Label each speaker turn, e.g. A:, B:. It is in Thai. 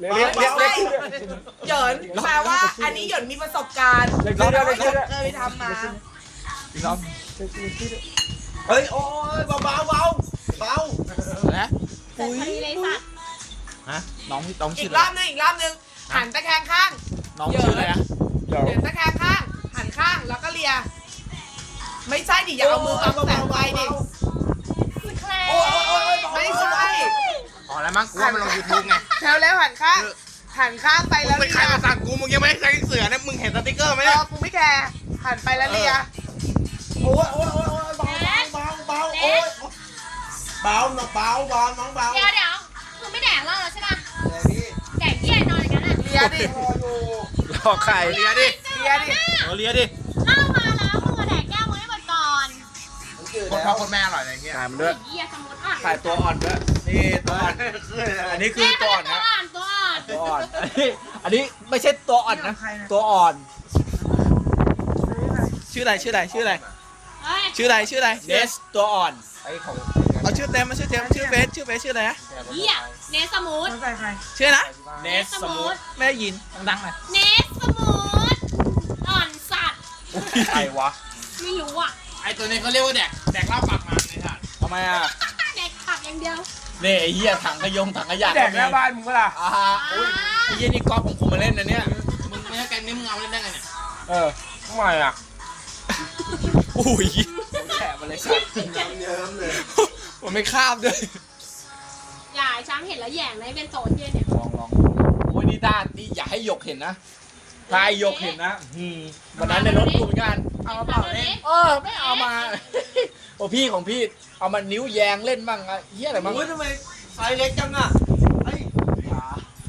A: เรียก
B: เหยินแปลว่าอันนี้เหยินมีประสบการณ์เคยทำมา
A: อีกรอบ
C: เฮ้ยโอ้ยเบา
A: นะ
D: แต่พอดีเลยสัตว์
A: ฮะน้อง
B: อี
A: ชื่อก อะไร
B: รอบนึงอีกรอบนึงหันตะแคงข้าง
A: น้องชื่ออะไรนะ
B: เหยินตะแคงข้างหันข้างแล้วก็เลียไม่ใช่ดิอย่าเอามือบังแสงไฟดิ
D: คือแคล
B: ไม่ใช่
A: อ๋อแล้วมั้งกูว่ามันลง YouTube ไง
B: แล้วหันข้างไป
A: มึ
B: แล้
A: ง
B: ว
A: เป็น
B: เลี
A: ใคร
B: ย
A: มาสั่งกูมึงยังไม่ได้ใช้เสือนะมึงเห็นสติ๊กเกอร์ไหม
B: เอ
A: เนี่ย
B: อกูไม่แคร์หันไปแล้วเลีย
C: โอ้ยโอ้ยเบาโอ้ยเบาน้องเบาน้องเบา
D: เดี๋ยวคือไม่แดกเหล้าแล้วใช่ป่ะแดกเยี่ยนอนอย่างนั้นอ่ะ
B: เลียดิ
A: รอไข่เลียดิ
B: เลียดิ
A: เลียดิ
D: เหล้ามาแล้วมึงมาแดกแก้วมึงให้หมดก่อน
A: คนพ่อคนแม่อร่อยอะไรเงี้ยถ่ายมันด้วย
D: เยี่ยสมุดอ่อน
A: ถ่ายตัวอ่อนด้วยนี่ตัวอ่อนอันนี้คือตัวอ่อนนะ
D: ตัวอ่อน
A: ตัวอ่อนอันนี้ไม่ใช่ตัวอ่อนนะตัวอ่อนชื่ออะไร
D: เฮ้ย
A: ชื่ออะไรเนสตัวอ่อนเอาชื่อเต็มมาชื่อเฟซชื่ออะไรนะ
D: เยี่ยเนสมูท
A: ชื่อนะเนสสมูทไม่ได้ยินดังๆหน่อย
D: เนสมูทอ่อนสัตว์
A: ใครวะ
D: ไม่รู้อ่ะ
E: ไอตัวนี้เขาเรียกว่าแดกเหล้าปากมันในถาด
A: ทำไมอ่ะ
D: แดกผักอย่างเดียว
A: นี่ไอ้เหี้ยถังขยะ
E: แดกหน้าบ้านมึงก็ล่ะ
A: อ่าฮะอุ้ยไอ้เหี้ยนี่ก๊อฟของผมมาเล่นนะเนี่ย
E: มึงไม่ใช่แกงนี้มึงเอาเล่นได้ไงเนี่ย
A: ทำไมอ่ะอุ้ยแฉะมาเลยสัตว์
C: เยิ้มเลย
A: มันไม่คาบด้วย
D: อย่าช้างเห็นแล้วแหย่งเลยเป็นโซนเย็นเนี่ย
A: ลองโอ้ยนี่ด้านนี่อย่าให้หยกเห็นนะถ้าให้หยกเห็นนะวันนั้นในรถกูเหมือนกัน
D: เอากระเป๋าเล่น
A: ไม่เอามา โอ้พี่ของพี่เอามานิ้วแยงเล่นบ้างอะเฮียอะไรบ้าง
C: อุ้ยทำไมไซส์เล็กจังอ่ะ